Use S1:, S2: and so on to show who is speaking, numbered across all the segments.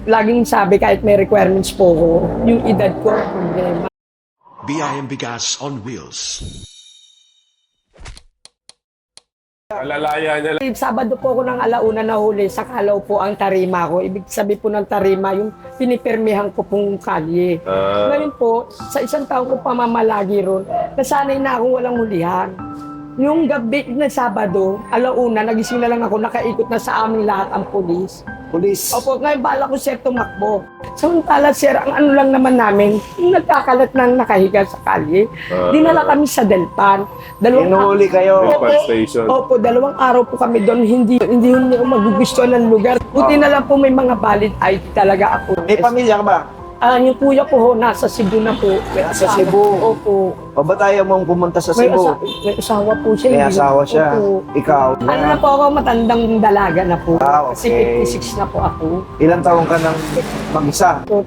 S1: laging sabi kahit may requirements po ko, yung edad ko ang problema.
S2: BIM Bigas on Wheels.
S3: Malalaya niya lang.
S1: Sabado po ako ng alauna nahuli sa Kalaw po ang tarima ko. Ibig sabihin po ng tarima, yung pinipirmihan ko pong kalye. Ngayon po, sa isang taon ko pamamalagi ron, nasanay na akong walang hulihan. Yung gabi na Sabado, alauna, nagising na lang ako, nakaikot na sa amin lahat ang pulis.
S4: Police.
S1: Opo, ngayon bala ko sir tumakbo. Samantala sir, ang ano lang naman namin, yung nagkakalat ng nakahiga sa kalye. Dinala kami sa Delpan.
S4: Inuhuli kayo.
S3: Delpan Station.
S1: Opo, 2 araw po kami doon, hindi ko magugustuhan ng lugar. Buti na lang po may mga valid ID talaga ako.
S4: May pamilya ka ba?
S1: Yung kuya ko ho, nasa Cebu na po.
S4: Sa Cebu.
S1: Opo.
S4: O ba't ayaw mong pumunta sa
S1: May,
S4: Cebu?
S1: may asawa po siya.
S4: May
S1: hindi
S4: asawa
S1: na-
S4: siya.
S1: Opo.
S4: Ikaw.
S1: Ano na po ako, matandang dalaga na po.
S4: Ah,
S1: Kasi
S4: okay.
S1: 56 na po ako.
S4: Ilang taong ka nang mag-isa?
S1: So,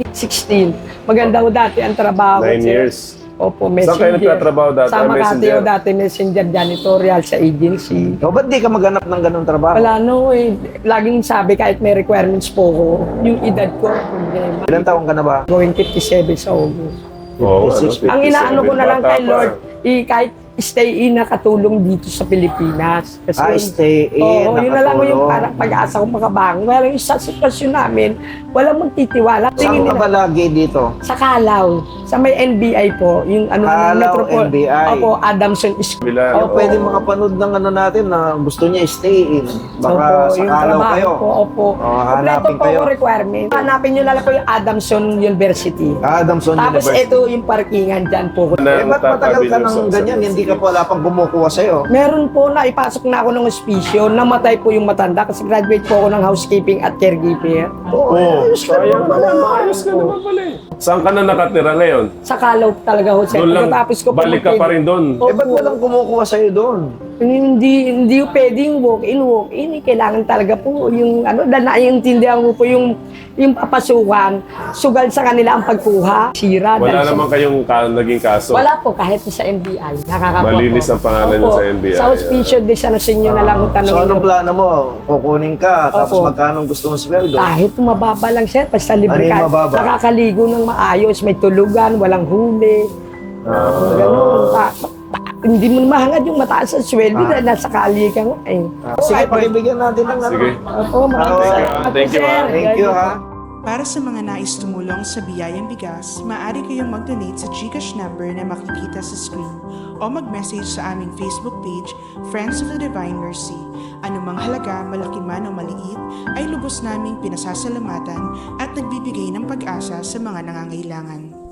S1: 2016. Maganda ko dati ang trabaho.
S3: 9
S1: sir.
S3: years.
S1: Opo,
S3: Saan kayo nagtatrabaho dati?
S1: Sa Makati
S3: Messenger?
S1: o dati, messenger janitorial sa agency.
S4: O ba't di ka maghanap ng ganong trabaho?
S1: Wala no eh. Laging sabi kahit may requirements po ko, yung edad ko ang problema.
S4: Ilang taong ka na ba?
S1: Going 57 sa August.
S3: Oo,
S4: 56.
S1: Ang inaano ko na lang
S3: Bata
S1: kay
S3: pa.
S1: Lord, kahit stay in na katulong dito sa Pilipinas. Kasi
S4: Stay in,
S1: oo, yun na lang yung
S4: nakatulong.
S1: parang pag-asa ko makabangon. Well, yung sa sitwasyon namin, walang magtitiwala.
S4: Saan
S1: Tingin
S4: ka ba
S1: nila,
S4: lagi dito?
S1: sa Kalaw, sa may NBI po, yung ano,
S4: Kalaw, NBI.
S1: Opo, Adamson School.
S3: Bila,
S4: O pwede makapanood ng ano natin na gusto niya stay in. Baka sa
S1: yung
S4: Kalaw
S1: trabaho
S4: kayo.
S1: Po, opo.
S4: hanapin
S1: Kompleto po
S4: kayo.
S1: ang requirement. Hanapin nyo na lang po yung Adamson University.
S4: Adamson
S1: Tapos
S4: University.
S1: ito yung parkingan dyan po.
S4: Ba't matagal ka nang ganyan? Hindi ka pa wala pang kumukuha sa'yo.
S1: Meron po na ipasok na ako ng ospiso, namatay po yung matanda kasi graduate po ako ng housekeeping at caregiver.
S3: Oo,
S4: ayos ka
S3: kaya
S4: naman
S3: pala,
S4: pala.
S3: ayos ka naman pala eh. Saan ka na nakatira ngayon?
S1: Sa Kalaw talaga ho, sir.
S3: Doon lang,
S1: Pagkatapos ko po
S3: balik ka pa rin doon.
S1: Opo.
S4: Ba't walang kumukuha sa'yo doon?
S1: Hindi pwedeng walk-in. Kailangan talaga po yung ano, dahil naiintindihan ko po yung papasukan, sugal sa kanila ang pagkuha, sira.
S3: Wala
S1: dahil sa-
S3: naman kayong naging kaso.
S1: Wala po, kahit sa NBI. Nakakapo
S3: Malinis
S1: po.
S3: ang pangalan niyo
S1: Opo.
S3: sa NBI.
S1: Sa hospicio de San Jacinto na lang kung
S4: So
S1: tanongin
S4: anong
S1: mo.
S4: plano mo? Kukunin ka, tapos
S1: Opo.
S4: magkano gusto mong sweldo?
S1: Kahit mababa lang, sir, basta libre
S4: Ano yung
S1: ka.
S4: mababa?
S1: Nakakaligo ng maayos, may tulugan, walang huli. Ganun. Hindi mo mahangad yung mataas sa sweldo dahil nasa kalye ka nga eh.
S4: Sige, pakibigyan natin ng ano.
S3: Sige.
S1: Opo, maraming
S4: Okay.
S1: salamat
S3: Thank you,
S1: po, sir.
S4: Thank you, ha?
S5: Para sa mga nais tumulong sa Biyayang Bigas, maaari kayong mag-donate sa GCash number na makikita sa screen o mag-message sa aming Facebook page, Friends of the Divine Mercy. Anumang halaga, malaki man o maliit, ay lubos naming pinasasalamatan at nagbibigay ng pag-asa sa mga nangangailangan.